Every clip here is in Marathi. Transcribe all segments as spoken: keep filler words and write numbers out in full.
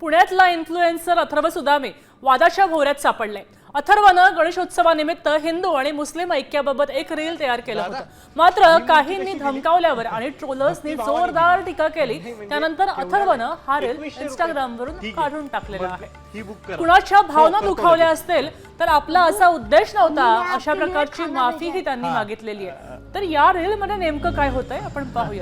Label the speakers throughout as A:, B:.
A: पुण्यातला इन्फ्लुएन्सर अथर्व सुदामे वादाच्या भोवऱ्यात सापडले। अथर्वनं गणेशोत्सवानिमित्त हिंदू आणि मुस्लिम ऐक्याबाबत एक रील तयार केलं होतं, मात्र काहींनी धमकावल्यावर आणि ट्रोलर्सनी जोरदार टीका केली। त्यानंतर अथर्वनं हा रील इंस्टाग्रामवरून काढून टाकलेला आहे। कुणाच्या भावना दुखावल्या असतील तर आपला असा उद्देश नव्हता अशा प्रकारची माफीही त्यांनी मागितलेली आहे। तर या रील मध्ये नेमकं काय होतंय आपण पाहूया।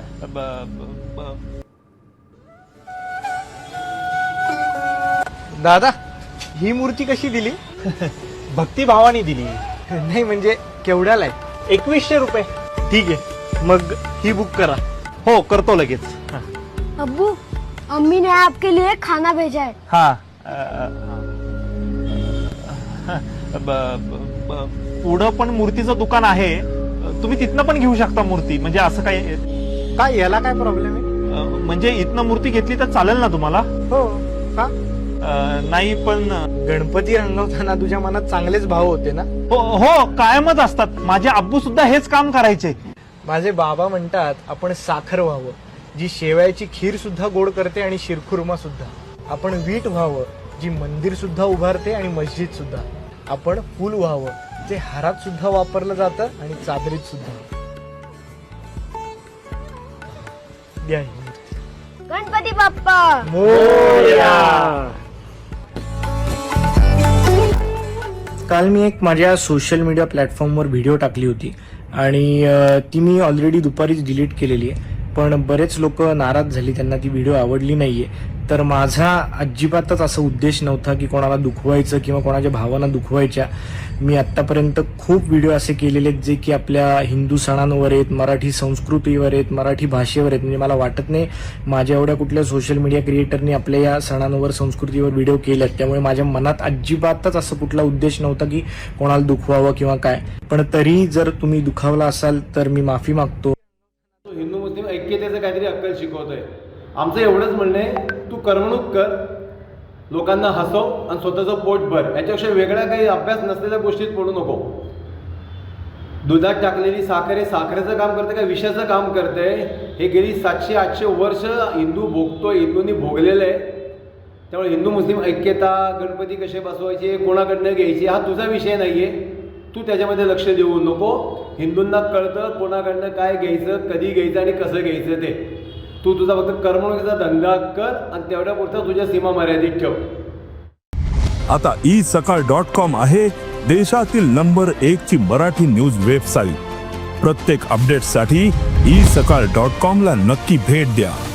B: दादा, ही मूर्ती कशी दिली?
C: भक्तिभावाने दिली।
B: नाही म्हणजे केवढ्याला आहे?
C: एकवीसशे रुपये।
B: ठीक आहे, मग ही बुक करा।
C: हो करतो लगेच।
D: अब्बू, अम्मी ने आपके लिए खाना भेजा है।
C: हाँ, पुढं पण मूर्तीचं दुकान आहे, तुम्ही तिथनं पण घेऊ शकता मूर्ती। म्हणजे असं काय
B: काय याला काय प्रॉब्लेम आहे?
C: म्हणजे इथनं मूर्ती घेतली तर चालेल ना तुम्हाला?
B: हो का?
C: नाही पण
B: गणपती रंगवताना तुझ्या मनात चांगलेच भाव होते ना?
C: हो हो कायमच असतात। माझे आब्बू सुद्धा हेच काम करायचे।
B: माझे बाबा म्हणतात आपण साखर व्हावं, जी शेवयाची खीर सुद्धा गोड करते आणि शिरखुर्मा सुद्धा। आपण वीट व्हावं, जी मंदिर सुद्धा उभारते आणि मस्जिद सुद्धा। आपण फूल व्हावं, जे हारात सुद्धा वापरलं जातं आणि चादरीत सुद्धा। द्या ही मूर्ती।
D: गणपती बाप्पा
B: मोरया। काल मी एक माझ्या सोशल मीडिया प्लॅटफॉर्मवर व्हिडिओ टाकली होती आणि ती मी ऑलरेडी दुपारीच डिलीट केलेली आहे, पण बरेच लोक नाराज झाली, त्यांना ती व्हिडिओ आवडली नाहीये। तर माझा अजिबातच असा उद्देश नव्हता की कोणाला दुखवायचं किंवा कोणाच्या भावना दुखवायच्या। मी आतापर्यंत खूप व्हिडिओ असे केलेले आहेत जे की आपल्या हिंदू सणांवर आहेत, मराठी संस्कृतीवर आहेत, मराठी भाषेवर आहेत। म्हणजे मला वाटत नाही माझ्या एवढ्या कुठल्या सोशल मीडिया क्रिएटरनी आपल्या या सणांवर संस्कृतीवर व्हिडिओ केलेत, त्यामुळे माझ्या मनात अजिबातच असं कुठला उद्देश नव्हता की कोणाला दुखवावं किंवा काय। पण तरी जर तुम्ही दुखावला असाल तर मी माफी मागतो।
E: हिंदू मुस्लिम ऐक्यतेचं काहीतरी अक्कल शिकवतोय। आमचं एवढंच म्हणणं आहे, तू करमणूक कर, लोकांना हसव आणि स्वतःचं पोट भर। याच्यापेक्षा वेगळ्या काही अभ्यास नसलेल्या गोष्टीत पडू नको। दुधात टाकलेली साखर हे साखरेचं काम करते का विषाचं काम करते? हे गेली सातशे आठशे वर्ष हिंदू भोगतोय, हिंदूंनी भोगलेलं आहे। त्यामुळे हिंदू मुस्लिम ऐक्यता, गणपती कसे बसवायचे, कोणाकडनं घ्यायचे हा तुझा विषय नाहीये। तू त्याच्यामध्ये लक्ष देऊ नको। हिंदूंना कळतं कोणाकडनं काय घ्यायचं, कधी घ्यायचं आणि कसं घ्यायचं ते। तू तुझा फक्त करमणुकीचा धंदा कर आणि तेवढ्या पुरता तुझ्या सीमा मर्यादित ठेव।
F: आता ई सकाळ डॉट कॉम आहे देशातील नंबर एक ची मराठी न्यूज वेबसाईट। प्रत्येक अपडेटसाठी ई सकाळ डॉट कॉम ला नक्की भेट द्या।